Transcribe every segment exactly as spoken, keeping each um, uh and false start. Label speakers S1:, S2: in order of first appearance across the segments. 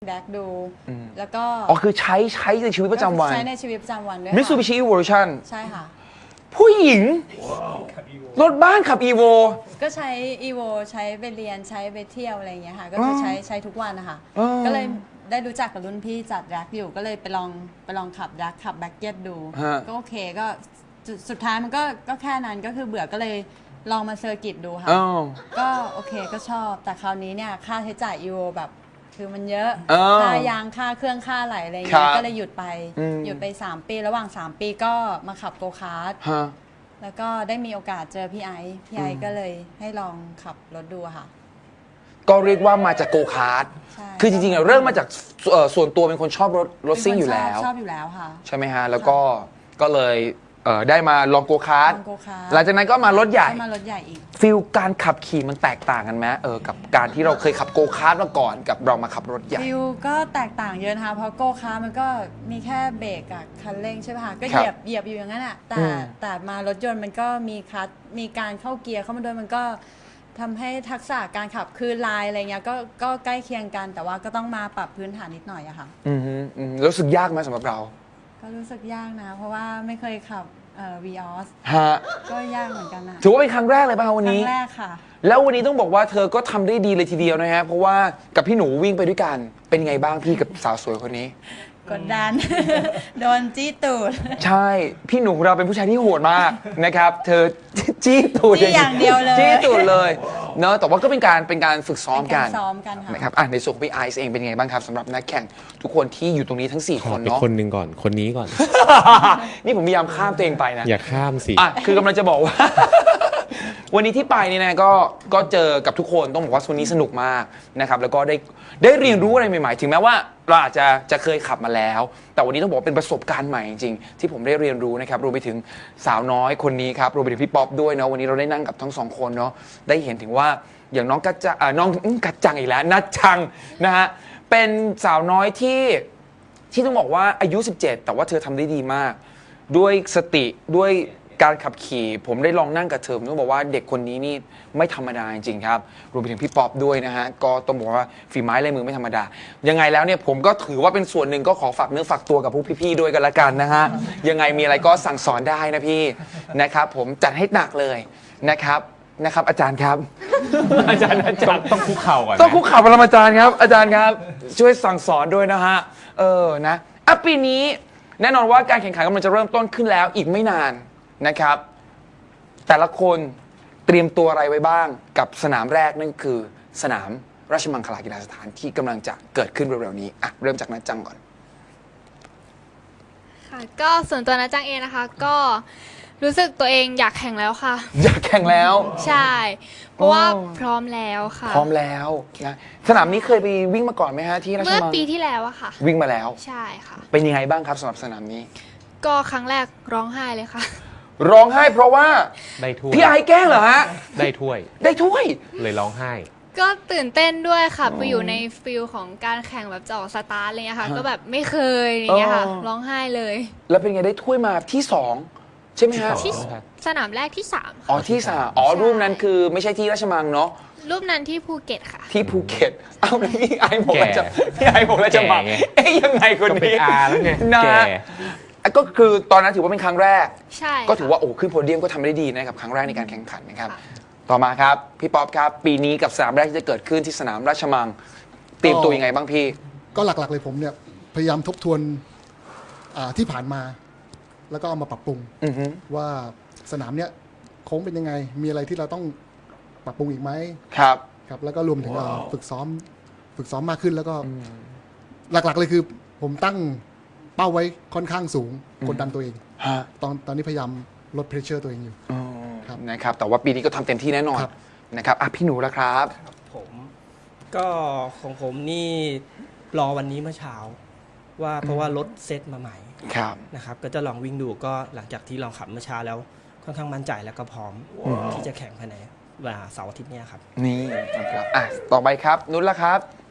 S1: แดกดูแล้วก็
S2: อ๋อคือใช้ใช้ในชีวิตประจำวัน
S1: ใช้ในชีวิตประจำวันด้วย
S2: Mitsubishi Evolution
S1: ใช่ค่ะ
S2: ผู้หญิงรถบ้านขับ Evo
S1: ก็ใช้ Evo ใช้ไปเรียนใช้ไปเที่ยวอะไรอย่างเงี้ยค่ะก็คือใช้ใช้ทุกวันนะคะก็เลยได้รู้จักกับรุ่นพี่จัดแร็กอยู่ก็เลยไปลองไปลองขับแร็กขับแบ็กเก็ตดูก็โอเคก็สุดท้ายมันก็ก็แค่นั้นก็คือเบื่อก็เลยลองมาเซอร์กิตดูค่ะก็โอเคก็ชอบแต่คราวนี้เนี่ยค่าใช้จ่าย Evo แบบคือมันเยอะค่ายางค่าเครื่องค่าไหลอะไรเงี้ยก็เลยหยุดไปหยุดไปสามปีระหว่างสามปีก็มาขับโกคาร์ทแล้วก็ได้มีโอกาสเจอพี่ไอซ์พี่ไอซ์ก็เลยให้ลองขับรถดูค่ะ
S2: ก็เรียกว่ามาจากโกคาร์ทคือจริงๆเริ่มมาจากส่วนตัวเป็นคนชอบรถรถซิ่งอยู่แล้ว
S1: ชอบอยู่แล้วค่ะ
S2: ใช่ไหมฮะแล้วก็ก็เลยได้มาลองโกคาร์ทหลังจากนั้นก็มารถใหญ่
S1: มารถใหญ่อีก
S2: ฟิลการขับขี่มันแตกต่างกันไหมเออกับการที่เราเคยขับโกคาร์ทมาก่อนกับเรามาขับรถใหญ่
S1: ฟิลก็แตกต่างเยอะนะคะเพราะโกคาร์ทมันก็มีแค่เบรกกับคันเร่งใช่ไหมคะก็เหยียบเหยียบอยู่อย่างนั้นอ่ะแต่แต่มารถยนต์มันก็มีคัสมีการเข้าเกียร์เข้ามาด้วยมันก็ทำให้ทักษะการขับคือลายอะไรเงี้ยก็ก็ใกล้เคียงกันแต่ว่าก็ต้องมาปรับพื้นฐานนิดหน่อยอะค่ะ
S2: อืมอืมรู้สึกยากไหมสำหรับเรา
S1: ก็รู้สึกยากนะเพราะว่าไม่เคยขับเอ่อ วี ออส
S2: ฮะ
S1: ก็ยากเหมือนกันนะ
S2: ถือว่าเป็นครั้งแรกเลยป่ะวันนี้
S1: ครั้งแรกค่ะ
S2: แล้ววันนี้ต้องบอกว่าเธอก็ทำได้ดีเลยทีเดียวนะฮะเพราะว่ากับพี่หนูวิ่งไปด้วยกันเป็นไงบ้างพี่กับสาวสวยคนนี้
S1: กดดันโดนจี้ตูด
S2: ใช่พี่หนูของเราเป็นผู้ชายที่โหดมากนะครับเธอจี้ตูด
S1: อย่างเดียวเลย
S2: จี้ตูดเลยเนอะแต่ว่าก็เป็นการเป็นการฝึกซ้อมกัน
S1: ซ้อมกันค่ะ
S2: นะครับอ่ะในส่วนของพี่ไอซ์เองเป็นไงบ้างครับสำหรับนักแข่งทุกคนที่อยู่ตรงนี้ทั้งสี่คนเนาะ
S3: คนหนึ่งก่อนคนนี้ก่อน
S2: นี่ผมพยายามข้ามตัวเองไปนะ
S3: อย่าข้ามสิ
S2: อ่ะคือกำลังจะบอกว่าวันนี้ที่ไปนี่นะก็ก็เจอกับทุกคนต้องบอกว่าวันนี้สนุกมากนะครับแล้วก็ได้ได้เรียนรู้อะไรใหม่ๆถึงแม้ว่าเราอาจจะจะเคยขับมาแล้วแต่วันนี้ต้องบอกเป็นประสบการณ์ใหม่จริงๆที่ผมได้เรียนรู้นะครับรวมไปถึงสาวน้อยคนนี้ครับรวมไปถึงพี่ป๊อปด้วยเนาะวันนี้เราได้นั่งกับทั้งสองคนเนาะได้เห็นถึงว่าอย่างน้องกัจจังน้องกัจจังอีกแล้วนัดจังนะฮะเป็นสาวน้อยที่ที่ต้องบอกว่าอายุสิบเจ็ดแต่ว่าเธอทำได้ดีมากด้วยสติด้วยการขับขี่ผมได้ลองนั่งกับเธอผมต้องบอกว่าเด็กคนนี้นี่ไม่ธรรมดาจริงๆครับรวมไปถึงพี่ป๊อปด้วยนะฮะก็ต้องบอกว่าฝีไม้ลายมือไม่ธรรมดายังไงแล้วเนี่ยผมก็ถือว่าเป็นส่วนหนึ่งก็ขอฝากเนื้อฝากตัวกับพวกพี่ๆด้วยกันละกันนะฮะยังไงมีอะไรก็สั่งสอนได้นะพี่นะครับผมจัดให้หนักเลยนะครับนะครับอาจารย์ครับอาจารย์อาจารย์
S3: ต้องคุกเข่าก่อน
S2: ต้องคุกเข่าปรมาจารย์ครับอาจารย์ครับช่วยสั่งสอนด้วยนะฮะเออนะอ่ะปีนี้แน่นอนว่าการแข่งขันกำลังจะเริ่มต้นขึ้นแล้วอีกไม่นานนะครับแต่ละคนเตรียมตัวอะไรไว้บ้างกับสนามแรกนั่นคือสนามราชมังคลากีฬาสถานที่กำลังจะเกิดขึ้นเร็วๆนี้อ่ะเริ่มจากนัดจังก่อน
S4: ค่ะก็ส่วนตัวนัดจังเองนะคะก็รู้สึกตัวเองอยากแข่งแล้วค่ะ
S2: อยากแข่งแล้ว
S4: ใช่เพราะว่าพร้อมแล้วค่ะ
S2: พร้อมแล้วนะสนามนี้เคยไปวิ่งมาก่อนไหมฮะที่ราชมัง
S4: เมื่อปีที่แล้วอะค่ะ
S2: วิ่งมาแล้ว
S4: ใช่ค่ะ
S2: เป็นยังไงบ้างครับสำหรับสนามนี้
S4: ก็ครั้งแรกร้องไห้เลยค่ะ
S2: ร้องไห้เพราะว่า
S3: ได้ถ้วย
S2: พี่ไอแกล้งเหรอฮะ
S3: ได้ถ้วย
S2: ได้ถ้วย
S3: เลยร้องไห้
S4: ก็ตื่นเต้นด้วยค่ะไปอยู่ในฟิลของการแข่งแบบจะออกสตาร์ทอะไรเงี้ยค่ะก็แบบไม่เคยอย่างเงี้ยค่ะร้องไห้เลย
S2: แล้วเป็นไงได้ถ้วยมาที่สองใช่ไหมฮะ
S4: ที่สนามแรกที่สาม
S2: อ๋อที่สามอ๋อรูปนั้นคือไม่ใช่ที่ราชมังเนาะ
S4: รูปนั้นที่ภูเก็ตค่ะ
S2: ที่ภูเก็ตอ้าวพี่ไอบอกว่าจะพี่ไอบอกว่าจะมาเอ๊ยยังไงคนนี้
S3: ก็เป็นอาแล้วไง
S2: นะก็คือตอนนั้นถือว่าเป็นครั้งแรก
S4: ใช่
S2: ก็ถือว่าโอ้ขึ้นโพเดียมก็ทำได้ดีนะครับครั้งแรกในการแข่งขันนะครับต่อมาครับพี่ป๊อปครับปีนี้กับสนามแรกที่จะเกิดขึ้นที่สนามราชมังเตรียมตัวยังไงบ้างพี่
S5: ก็หลักๆเลยผมเนี่ยพยายามทบทวนที่ผ่านมาแล้วก็เอามาปรับปรุงว่าสนามเนี้ยโค้งเป็นยังไงมีอะไรที่เราต้องปรับปรุงอีกไหม
S2: ครับ
S5: ครับแล้วก็รวมถึงฝึกซ้อมฝึกซ้อมมากขึ้นแล้วก็หลักๆเลยคือผมตั้งเป้าไว้ค่อนข้างสูงกดดันตัวเองตอนตอนนี้พยายามลดเพรสเชอร์ตัวเองอยู่
S2: นะครับแต่ว่าปีนี้ก็ทำเต็มที่แน่นอนนะครับอ่ะพี่หนูละครับ
S6: ผมก็ของผมนี่รอวันนี้เมื่อเช้าว่าเพราะว่ารถเซตมาใหม่นะครับก็จะลองวิ่งดูก็หลังจากที่ลองขับเมื่อเช้าแล้วค่อนข้างมั่นใจแล้วก็พร้อมที่จะแข่งภายในวันเสาร์อาทิตย์นี้ครับ
S2: นี่นะครับอ่ะต่อไปครับนุชละครับ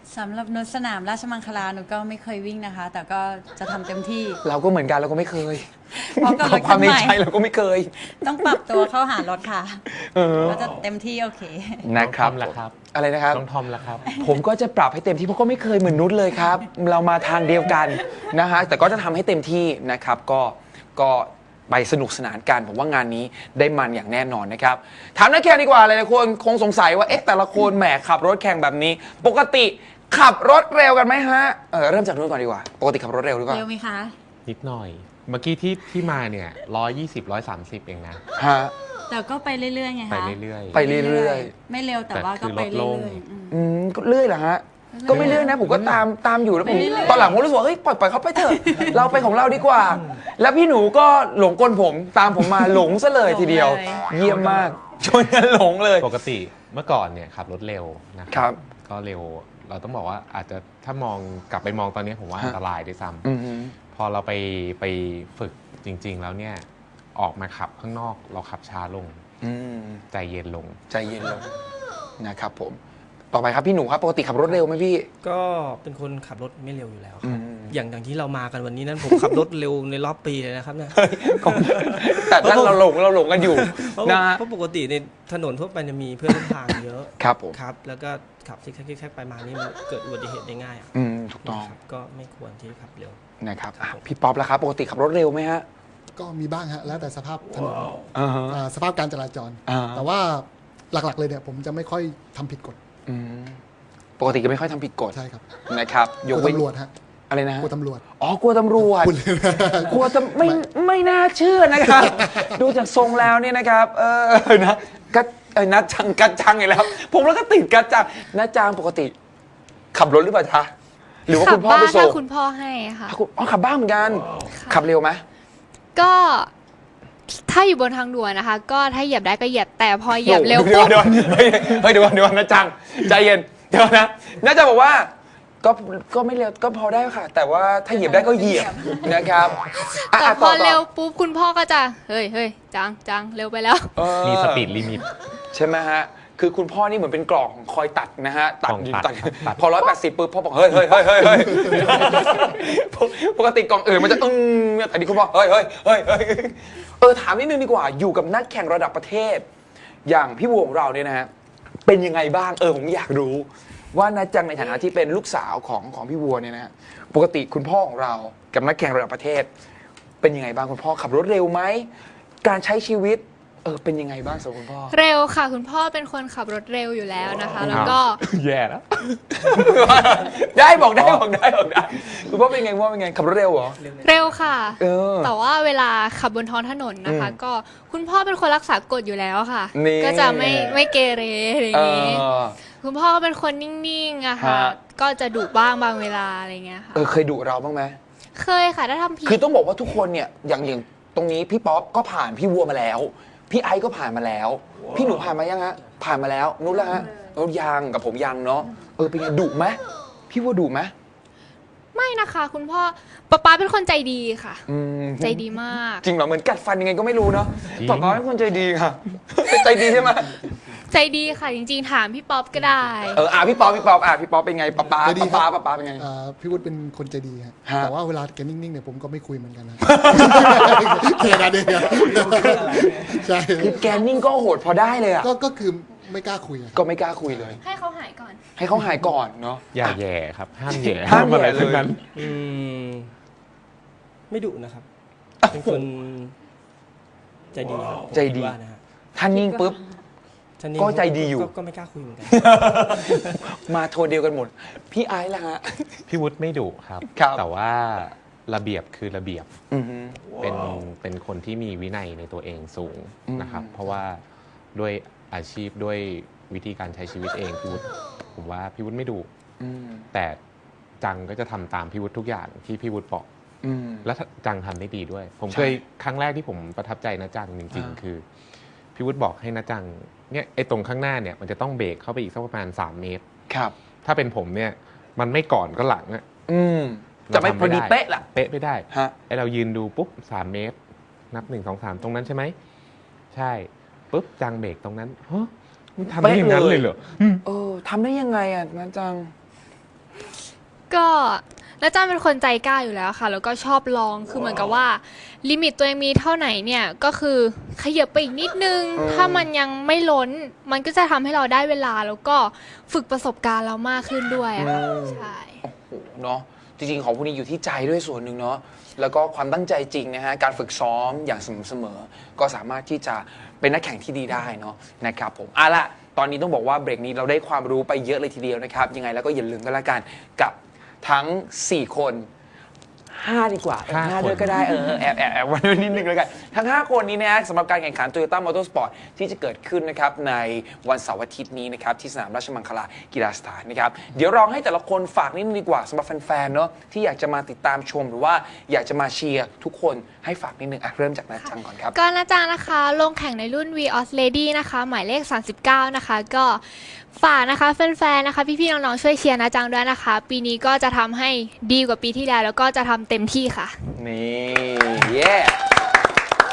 S1: สำหรับนุชสนามราชมังคลาหนูก็ไม่เคยวิ่งนะคะ แต่ก็จะทำเต็มที่
S2: เราก็เหมือนกันเราก็ไม่เคย
S1: เพราะกับรถ
S2: ควา
S1: คั
S2: ม
S1: น
S2: ใน
S1: ใหม่
S2: ใจเราก็ไม่เคย
S1: ต้องปรับตัวเข้าหารถค่ะ
S2: เออ
S1: ก็จะเต็มที่โอเค
S2: นะครับ
S3: น้องทอมล่ะครับ
S2: อะไรนะครับ
S3: น้องทอมละครับ
S2: ผมก็จะปรับให้เต็มที่เพราะก็ไม่เคยเหมือนนุชเลยครับ เรามาทางเดียวกันนะฮะแต่ก็จะทำให้เต็มที่นะครับก็ก็ไปสนุกสนานกันผมว่างานนี้ได้มันอย่างแน่นอนนะครับถามนักแข่งดีกว่าหลายๆคนคงสงสัยว่าเอ๊ะแต่ละคนแหมขับรถแข่งแบบนี้ ปกติขับรถเร็วกันไหมฮะเออเริ่มจากนุชก่อนดีกว่าปกติขับรถเร็วหรือเปล่า
S1: เร็วไหมคะ
S3: นิดหน่อย เมื่อกี้ที่ที่มาเนี่ยร้อยยี่สิบร้อยสามสิบเองนะ
S2: ฮะ
S1: แต่ก็ไปเรื่อยๆไง
S3: ไป
S1: คะ
S3: เรื่อยๆ
S2: ไปเรื่อยๆ
S1: ไม่เร็วแต่ว่าก็ไป
S3: แต่คือลดล
S1: เรื่
S3: ง
S1: อยๆอืม
S2: อืมก็เรื่อยเหรอฮะก็ไม่เรื่อยนะผมก็ตามตามอยู่แล้วผม
S1: ไปเรื่อยๆ
S2: ตอนหลังผมรู้สึกว่าเฮ้ยปล่อยปล่อยเขาไปเถอะ เราไปของเราดีกว่า แล้วพี่หนูก็หลงกลผมตามผมมาหลงซะเลยทีเดียว เยี่ยมมากชวนกันหลงเลย
S3: ปกติเมื่อก่อนเนี่ยขับรถเร็วนะค
S2: ครั
S3: รับ ก็เร็วเราต้องบอกว่าอาจจะถ้ามองกลับไปมองตอนนี้ผมว่า
S2: ฮะ
S3: อันตรายด้วยซ้
S2: อือฮึ
S3: ำพอเราไปไปฝึกจริง ๆ แล้วเนี่ยออกมาขับข้างนอกเราขับช้าลง
S2: อืม
S3: ใจเย็นลง
S2: ใจเย็นลงนะครับผม ต่อไปครับพี่หนูครับปกติขับรถเร็วไหมพี่
S6: ก็เป็นคนขับรถไม่เร็วอยู่แล้วค
S2: อื
S6: รับ
S2: ม
S6: อย่างอย่างที่เรามากันวันนี้นั้นผมขับรถเร็วในรอบปีเลยนะครับเนี่ย
S2: แต่ถ้าเราหลงเราหลงกันอยู่
S6: เพราะ
S2: นะฮะ
S6: เพราะปกติในถนนทั่วไปจะมีเพื่อนร่วมทางเยอะ
S2: ครับผม
S6: ครับ แล้วก็ขับซิกแซกซิกแซกไปมานี่มันเกิดอุบัติเหตุได้ง่ายอะ
S2: อืมถูกต้อง
S6: นะครับก็ไม่ควรที่ขับเร็ว
S2: นะครับอ่ะพี่ป๊อปแล้วครับปกติขับรถเร็วไหมฮะ
S5: ก็มีบ้างฮะแล้วแต่สภาพถนน
S2: อ่าฮะ
S5: อ่าสภาพการจราจร
S2: อ่า
S5: แต่ว่าหลักๆเลยเนี่ยผมจะไม่ค่อยทำผิดกฎ
S2: อืมปกติก็ไม่ค่อยทำผิดกฎ
S5: ใช่ครับ
S2: นะครับ
S5: ก
S2: ย
S5: ลั
S2: ก
S5: ว
S2: เว้น
S5: ตำรวจฮะ
S2: อะไรนะฮะ
S5: กลัวตำรวจ
S2: อ๋อกลัวตำรวจ
S5: พูดเลยนะ
S2: กลัวจะไม่ไม่น่าเชื่อนะครับ ดูจากทรงแล้วเนี่ยนะครับ เออนะกัดเอ้ยนัดจังกัดจังอีกแล้ว ผมแล้วก็ติดกัดจังนัดจังปกติ ขับรถหรือเปล่าจ๊ะหรือว่า
S4: ขั
S2: คุณพ่อ
S4: บ้า
S2: ไป
S4: น
S2: ส่
S4: ถ้าง คุณพ่อให้ค่ะ
S2: อ่ะคุณอ๋อขับบ้างเหมือนกัน
S4: ค่ะ
S2: ขับเร็วไหม
S4: ก็ถ้าอยู่บนทางด่วนนะคะ ก็ถ้าเหยียบได้ก็เหยียบแต่พอเหยียบเร็ว
S2: ดี๋
S4: ปุ๊
S2: ย
S4: บ
S2: เดี๋ยวเฮ้ยเฮ้ยเดี๋ยวก่อนเดี๋ยวก่อนนัดจังใจเย็นเดี๋ยวนะนัดจังบอกว่า ก็ก็ไม่เร็วก็พอได้ค่ะ แต่ว่าถ้าเหยียบได้ก็เหยียบนะครับะ
S4: แต่
S2: ะ
S4: พอ
S2: ต่
S4: เร็วปุ๊บคุณพ่อก็จะเฮ้ยเฮ้ยจังจังเร็วไปแล้ว
S2: เออ
S3: มีสปีดลิมิต
S2: ใช่ไหมฮะ คือคุณพ่อนี่เหมือนเป็นกล่องคอยตัดนะฮะ ตัด
S3: กล่องตัด
S2: ตัด
S3: ตัด
S2: พอร้อยแปดสิบปุ๊บพ่อบอกเฮ้ยเฮ้ยเฮ้ยเฮ้ยเฮ้ยปกติกล่องอื่นมันจะอึ้งแต่นี่คุณพ่อเฮ้ยเฮ้ยเฮ้ยเฮ้ยเออถามนิดนึงดีกว่า อยู่กับนักแข่งระดับประเทศ อย่างพี่บัวของเราเนี่ยนะฮะ เป็นยังไงบ้าง เออผมอยากรู้ ว่านัดจังในฐานะที่เป็นลูกสาวของของพี่บัวเนี่ยนะฮะ ปกติคุณพ่อของเรากับนักแข่งระดับประเทศ เป็นยังไงบ้างคุณพ่อขับรถเร็วไหม การใช้ชีวิต เออเป็นยังไงบ้างสำหรับคุณพ่อ
S4: เร็วค่ะ คุณพ่อเป็นคนขับรถเร็วอยู่แล้วนะคะ แล้วก็
S3: แย่แล้ว
S2: ได้บอกได้บอกได้บอกได้คุณพ่อเป็นไงพ่อเป็นไงขับรถเร็วเหรอ
S4: เร็วค่ะ
S2: เออ
S4: แต่ว่าเวลาขับบนท้องถนนนะคะ
S2: อืม
S4: ก็คุณพ่อเป็นคนรักษากฎอยู่แล้วค่ะ
S2: นี่
S4: ก็จะไม่ไม่เกเรอะไรอ
S2: เอย่าง
S4: นี้
S2: อ
S4: คุณพ่อก็เป็นคนนิ่งๆอะค่ะ
S2: ฮะ
S4: ก็จะดุบ้างบางเวลาอะไรเงี้ยค่ะ
S2: เออเคยดุเราบ้างไหม
S4: เคยค่ะถ้าทำผิด
S2: คือต้องบอกว่าทุกคนเนี่ยอย่างอย่างตรงนี้พี่ป๊อปก็ผ่านพี่วัวมาแล้ว พี่ไอซ์ก็ผ่านมาแล้ว พี่หนูผ่านมายังฮะผ่านมาแล้วนุ้นแล้วฮะเออยังกับผมยังเนาะเออเป็นไงดุไหมพี่วัวดุไหม
S4: ไม่นะคะ คุณพ่อป๊าป๊าเป็นคนใจดีค่ะ
S2: อืม
S4: ใจดีมาก
S2: จริงเหรอเหมือนกัดฟันยังไงก็ไม่รู้เนาะ
S3: จริง
S2: ป๊าป๊าเป็นคนใจดีค่ะ ใจดีใช่ไหม
S4: ใจดีค่ะจริงๆถามพี่ป๊อปก็ได้
S2: เอออ่ะพี่ป๊อปพี่ป๊อปอ่ะพี่ป๊อปเป็นไงป๊าป๊า
S5: ใจดี
S2: ป๊า
S5: ครับ
S2: ป๊าป๊าป๊าเป็นไง
S5: อ่าพี่วุฒิเป็นคนใจดีฮะ
S2: ฮะ
S5: แต่ว่าเวลาแกนิ่งๆเนี่ยผมก็ไม่คุยเหมือนกันนะแค่นั้นเองครับใช่
S2: คือแกนิ่งก็โหดพอได้เลยอ่ะ
S5: ก็ก็คือไม่กล้าคุยอะ
S2: ก็ไม่กล้าคุยเลย
S4: ให้เขาหายก่อน
S2: ให้เขาหายก่อนเนาะ
S3: อย่าแย่ครับ ห้ามแย่
S2: ห้ามแย่
S3: อะไร
S2: เลย
S3: ทั้งนั้น
S6: อืมไม่ดุนะครับ เป็นคนใจดีครับผม
S2: ใจดี
S6: คิว่านะฮะ
S2: ถ้านิ่งปุ๊บ
S6: ท่านนี้
S2: ก็ใจดีอยู่
S6: ก็ไม่กล้าคุยเหมือนกัน
S2: มาโทนเดียวกันหมด พี่ไอซ์ล่ะฮะ
S3: พี่วุฒิไม่ดุครับ
S2: ครับ
S3: แต่ว่าระเบียบคือระเบียบ
S2: อือฮึ
S3: เป็นเป็นคนที่มีวินัยในตัวเองสูงนะครับ
S2: อืม
S3: เพราะว่าด้วยอาชีพด้วยวิธีการใช้ชีวิตเองพี่วุฒิผมว่าพี่วุฒิไม่ดุ
S2: อืม
S3: แต่จังก็จะทำตามพี่วุฒิทุกอย่างที่พี่วุฒิบอก
S2: อืม
S3: แล้วจังทำได้ดีด้วย ผม
S2: ใช่
S3: เคยครั้งแรกที่ผมประทับใจนะจังจริง
S2: อ่า
S3: ๆ คือพี่วุฒิบอกให้นะจังเนี่ยไอ้ตรงข้างหน้าเนี่ยมันจะต้องเบรกเข้าไปอีกสักประมาณสามเมตร
S2: ครับ
S3: ถ้าเป็นผมเนี่ยมันไม่ก่อนก็หลังอะ
S2: อืม จะไม่พอดีเป๊ะล่ะ
S3: เป๊ะไม่ได้
S2: ฮะ
S3: ไอเรายืนดูปุ๊บสามเมตร นับหนึ่งสองสามตรงนั้นใช่ไหมใช่ปุ๊บจังเบรกตรงนั้นฮะมันทำได้อย่างนั้นเลยเหรอ
S2: เออทำได้ยังไงอ่ะนะจัง
S4: ก็แล้วจ้าเป็นคนใจกล้าอยู่แล้วค่ะ แล้วก็ชอบลองคือเหมือนกับว่าลิมิตตัวเองมีเท่าไหนเนี่ยก็คือขยับไปอีกนิดนึง ถ้ามันยังไม่ล้นมันก็จะทำให้เราได้เวลาแล้วก็ฝึกประสบการณ์เรามากขึ้นด้วยอะค่ะใช่
S2: โอ้โหเนาะจริงๆของพวกนี้อยู่ที่ใจด้วยส่วนหนึ่งเนาะแล้วก็ความตั้งใจจริงนะฮะการฝึกซ้อมอย่างสม่ำเสมอก็สามารถที่จะเป็นนักแข่งที่ดีได้เนาะนะครับผมเอาละตอนนี้ต้องบอกว่าเบรกนี้เราได้ความรู้ไปเยอะเลยทีเดียวนะครับยังไงแล้วก็อย่าลืมกันละกันกับทั้งสี่คนห้าดีกว่าเออห้าด้วยก็ได้เออแอบแอบแอบวันนิดนึงแล้วกันทั้งห้าคนนี้นะฮะสำหรับการแข่งขัน Toyota Motorsport ที่จะเกิดขึ้นนะครับในวันเสาร์อาทิตย์นี้นะครับที่สนามราชมังคลากีฬาสถานนะครับเดี๋ยวลองให้แต่ละคนฝากนิดนึงดีกว่าสำหรับแฟนๆเนาะที่อยากจะมาติดตามชมหรือว่าอยากจะมาเชียร์ทุกคนให้ฝากนิดนึงอ่ะเริ่มจากนาจังก่อนครับ
S4: ก็นาจังนะคะลงแข่งในรุ่น Vios Lady นะคะหมายเลขสามสิบเก้านะคะก็ฝากนะคะแฟนๆนะคะพี่ๆน้องๆช่วยเชียร์นาจังด้วยนะคะปีนี้ก็จะทำให้ดีกว่าปีที่แล้วแล้วก็จะทำเต็มที่ค่ะ
S2: นี่ yeah